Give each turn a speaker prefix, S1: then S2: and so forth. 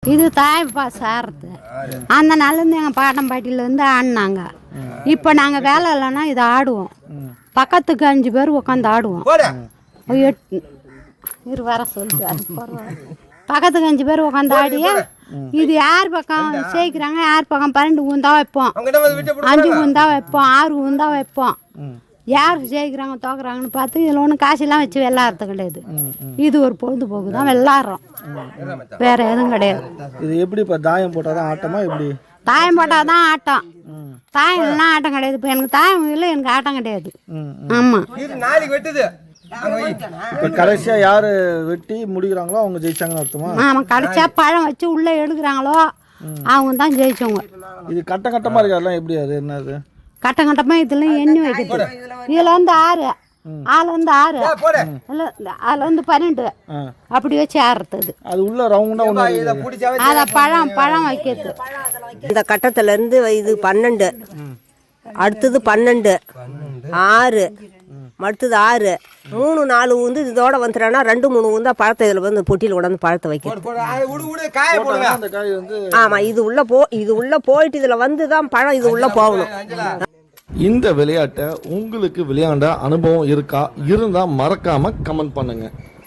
S1: இது தாய்ப்பா சார்றது. அந்த நாள்லேருந்து எங்கள் பாட்டம் பாட்டிலேருந்து ஆடினாங்க. இப்போ நாங்கள் வேலை இல்லைன்னா இதை ஆடுவோம். பக்கத்துக்கு 5 பேர் உட்காந்து ஆடுவோம். 8 வர சொல்லிட்டு அது பக்கத்துக்கு 5 பேர் உட்காந்து ஆடிய இது யார் பக்கம் சேர்க்கிறாங்க, யார் பக்கம் 12 ஊந்தா வைப்போம், 5 ஊந்தா வைப்போம், 6 ஊந்தா வைப்போம். யார் ஜெயிக்கிறாங்க தோக்குறாங்கன்னு பார்த்து இதில் ஒன்றும் காசெல்லாம் வச்சு விளாட்றது கிடையாது. இது ஒரு பொழுதுபோக்கு தான், விளாட்றோம், வேற எதுவும் கிடையாது.
S2: இது எப்படி இப்போ தாயம் போட்டால் தான் ஆட்டமா? எப்படி
S1: தாயம் போட்டால் தான் ஆட்டம், தாயம் இல்லைன்னா ஆட்டம் கிடையாது. இப்போ எனக்கு தாயம் இல்லை, எனக்கு ஆட்டம் கிடையாது. ஆமாம்,
S2: இப்போ கடைசியாக யார் வெட்டி முடிக்கிறாங்களோ அவங்க ஜெயிச்சாங்கன்னு அர்த்தமா?
S1: ஆமாம், கடைசியாக பழம் வச்சு உள்ளே எடுக்கிறாங்களோ அவங்க தான் ஜெயிச்சவங்க.
S2: இது கட்டம் கட்டமாக இருக்காதுலாம், எப்படி அது என்னது?
S1: கட்டம் கட்டமாக இதெல்லாம் எண்ணி வைக்கிறது. இதில் வந்து 6, ஆள் வந்து 6, இல்லை அதில் வந்து 12 அப்படி வச்சு ஆடுறது.
S2: அது உள்ள ரவுண்டா ஒன்று
S1: அதை பழம் வைக்கிறது.
S3: இந்த கட்டத்திலேருந்து இது 12, அடுத்தது 12, 6, அடுத்தது 6, 3, 4 வந்து இதோட வந்துட்டானா 2, 3 வந்து பழத்தை இதில் வந்து பொட்டியில் கொண்டாந்து பழத்தை வைக்கிறது. ஆமாம், இது உள்ள போயிட்டு இதில் வந்து தான் பழம் இது உள்ள போகணும்.
S4: இந்த விளையாட்டை உங்களுக்கு விளையாண்ட அனுபவம் இருக்கா? இருந்தால் மறக்காம கமெண்ட் பண்ணுங்க.